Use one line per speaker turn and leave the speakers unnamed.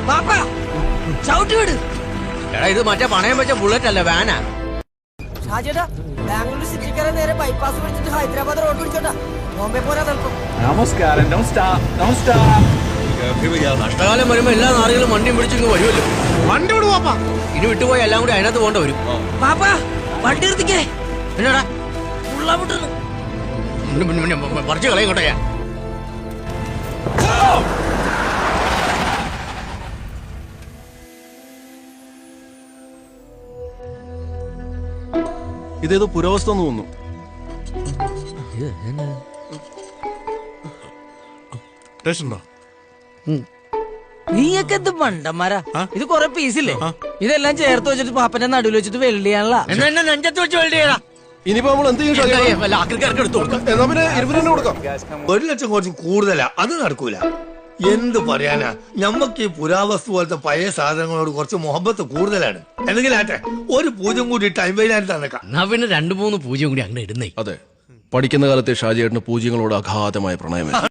എടാ ഇത് മറ്റേ പണയം വെച്ച ബുള്ളറ്റ് അല്ല വാനാ.
ഷാജേട്ടാ ബാംഗ്ലൂർ സിറ്റിക്കാരെ നേരെ ബൈപ്പാസ് പിടിച്ചിട്ട് ഹൈദരാബാദ് റോഡ് പിടിച്ചോട്ടാ ബോംബെ പോരാ തൽക്കും.
നമസ്കാരം.
കഷ്ടകാലം വരുമ്പോ എല്ലാ നാളുകളും വണ്ടിയും പിടിച്ചിങ്ങ് വരുമല്ലോ.
വണ്ടി വിടു പാപ്പാ.
ഇനി വിട്ടുപോയി എല്ലാം കൂടി അതിനകത്ത് പോകേണ്ട വരും.
വണ്ടി നിർത്തിക്കേ.
എന്നാടാ
ഉള്ളാമുട്ടെന്ന്
പറിച്ചു കളയും ഞാൻ.
ഇതേതോ പുരാവസ്ഥ തോന്നുന്നു.
നീയൊക്കെ എന്ത് മണ്ടന്മാരാ. ഇത് കൊറേ പീസില്ലേ, ഇതെല്ലാം ചേർത്ത് വെച്ചിട്ട് പാപ്പന്റെ നടുവിൽ വെച്ചിട്ട് വെള്ളിയാണല്ലോ.
എന്നാ നെഞ്ചത്ത് വെച്ച് വെള്ളിയടാ.
ഇനിയിപ്പോ നമ്മൾ എന്ത് ചെയ്യും?
ആക്രിക്കാർക്ക് എടുത്തു കൊടുക്കാം.
എന്നാ പിന്നെ 20 കൊടുക്കാം.
1 ലക്ഷം കുറച്ച് കൂടുതലാ, അത് നടക്കൂല. എന്ത് പറയാനാ, ഞമ്മക്ക് ഈ പുരാവസ്തു പോലത്തെ പഴയ സാധനങ്ങളോട് കുറച്ച് മുഹബത്ത് കൂടുതലാണ്. എന്തെങ്കിലും ആട്ടെ, ഒരു പൂജ്യം കൂടി ടൈം വൈകാൻ തന്നേക്കാം.
എന്നാ പിന്നെ 2-3 പൂജ്യം കൂടി അങ്ങനെ ഇടുന്നേ.
അതെ, പഠിക്കുന്ന കാലത്തെ ഷാജിയേട്ടന് പൂജ്യങ്ങളോട് അഗാധമായ പ്രണയം.